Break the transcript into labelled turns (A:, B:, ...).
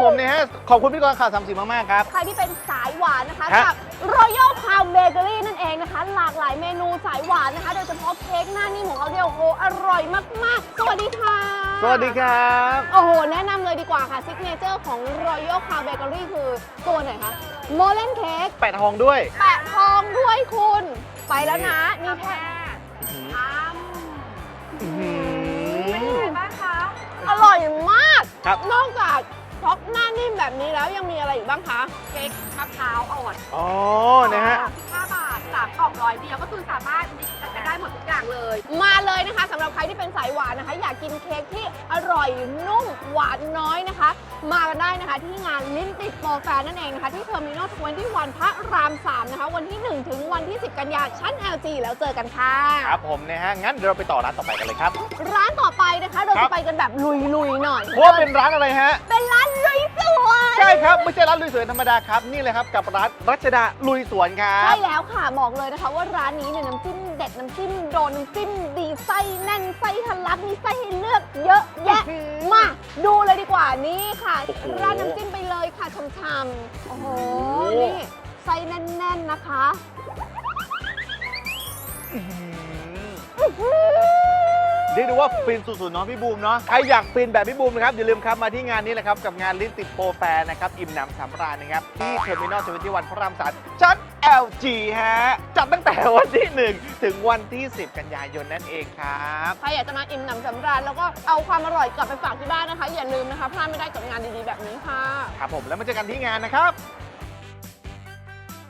A: ผมเนี่ยฮะขอบคุณพี่กรณ์ข่าว30มากๆครับ
B: ใครที่เป็นสายหวานนะคะ
A: ฮะ
B: กับ Royal Palm Bakery นั่นเองนะคะ หลากหลายเมนูสายหวานนะคะ โดยเฉพาะเค้กหน้านิ่มของเขาเนี่ยโอ้โหอร่อยมากๆ สวัสดีค่ะ
A: สวัสดีครับ
B: โอ้โห แนะนำเลยดีกว่าค่ะซิกเนเจอร์ของ Royal Palm Bakery คือตัวไหนคะโมเลนเค้ก
A: แปะทองด้วย
B: แปะทองด้วยคุณ ไปแล้วนะ นี่แค่
A: อื้อหื
B: เป็น
A: อ
B: ไงบ้างคะ อร่อยมาก
A: ครับ
B: นอกจากท็อปหน้านิ่มแบบนี้แล้วยังมีอะไรอีกบ้างคะ
C: เค้กมะพร้าวอ่อน
A: อ๋อนะฮะ
C: 35 บาท3กล่อง100 เดียวก็คือสามารถจัดได้หมดทุกอย่างเลย
B: มาเลยนะคะสำหรับใครที่เป็นสายหวานนะคะ อยากกินเค้กที่อร่อยนุ่มหวานน้อยนะคะ มากันได้นะคะที่งานลิ้นติดโปรแฟร์นั่นเองนะคะที่เทอร์มินอล21พระราม 3 นะคะ วันที่ 1 ถึงวันที่ 10 กันยายนชั้น LG แล้วเจอกันค่ะ
A: ครับผมนะฮะ งั้นเดี๋ยวเราไปต่อร้านต่อไปกันเลยครับ
B: ร้านต่อไปนะคะเรา
A: ครั
B: จะ
A: บ
B: ไปกันแบบลุยๆหน่อย
A: เพราะว่าเป็นร้านอะไรฮะ
B: เป็นร้านลุยสวน
A: ใช่ครับ ไม่ใช่ร้านลุยสวนธรรมดาครับ นี่เลยครับกับร้านรัชดาลุยสวนครั
B: ใช่
A: บ
B: แล้วค่ะบอกเลยนะคะว่าร้านนี้เนี่ยน้ำจิ้มเด็ดน้ำจิ้มโดนน้ำจิ้มดีไส้แน่นไส้ทะลักมีไส้ให้เลือกเยอะแยะ
A: อื้อหือ
B: มาดูเลยดีกว่านี่ค่ะ
A: โอ้โห
B: ร้านน้ำจิ้มไปเลยค่ะช่ำๆโอ้โห
A: โอ้โห
B: นี่ไส้แน่นๆนะคะ
A: อื้อหือเรียกได้ว่าฟินสุดๆเนาะพี่บูมเนาะใครอยากฟินแบบพี่บูมนะครับอย่าลืมครับมาที่งานนี้แหละครับกับงานลิ้นติดโปรแฟร์นะครับอิ่มหนำสำราญนะครับที่เทอร์มินอล21พระราม3ชั้น LG ฮะจัดตั้งแต่วันที่ 1 ถึงวันที่ 10 กันยายนนั่นเองครับ
B: ใครอยากจะมาอิ่มหนำสำราญแล้วก็เอาความอร่อยกลับไปฝากที่บ้านนะคะ อย่าลืมนะคะพลาดไม่ได้กับงานดีๆแบบนี้ค่ะ
A: ครับผมแล้วมาเจอกันที่งานนะครับ